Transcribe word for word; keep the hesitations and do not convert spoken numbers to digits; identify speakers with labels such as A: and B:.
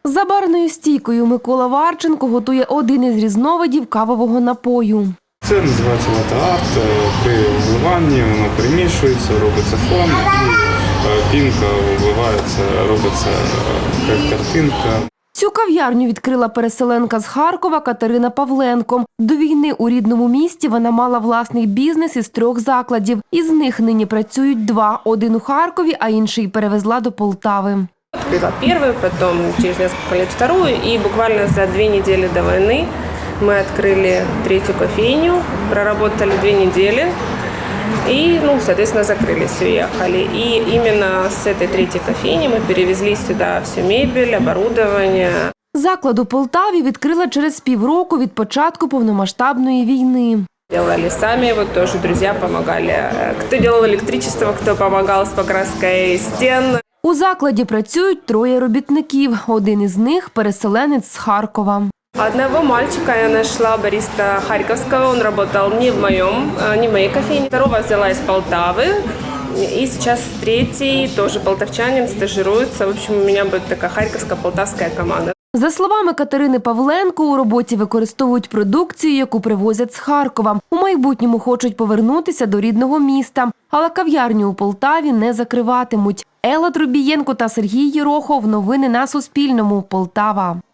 A: За барною стійкою Микола Варченко готує один із різновидів кавового напою.
B: Це називається латте-арт. При вливанні воно перемішується, робиться фон і пінка вливається, робиться картинка.
A: Цю кав'ярню відкрила переселенка з Харкова Катерина Павленко. До війни у рідному місті вона мала власний бізнес із трьох закладів. Із них нині працюють два. Один у Харкові, а інший перевезла до Полтави.
C: Открыла первую, потом через несколько лет вторую, и буквально за две недели до войны мы открыли третью кофейню, проработали две недели и, ну, соответственно, закрылись, уехали. И именно с этой третьей кофейни мы перевезли сюда всю мебель, оборудование.
A: Заклад у Полтаві відкрила через півроку від початку повномасштабної війни.
C: Делали сами, вот тоже друзья помогали. Кто делал электричество, кто помогал с покраской стен.
A: У закладі працюють троє робітників. Один із них – переселенець з Харкова.
C: Одного мальчика я нашла, бариста Харьковского, он работал не в моем, не в моей кофейне. Второго взяла из Полтавы. И сейчас третий, тоже полтавчанин, стажируется. В общем, у меня будет такая харьковско-полтавская команда.
A: За словами Катерини Павленко, у роботі використовують продукцію, яку привозять з Харкова. У майбутньому хочуть повернутися до рідного міста. Але кав'ярню у Полтаві не закриватимуть. Елла Трубієнко та Сергій Єрохов. Новини на Суспільному. Полтава.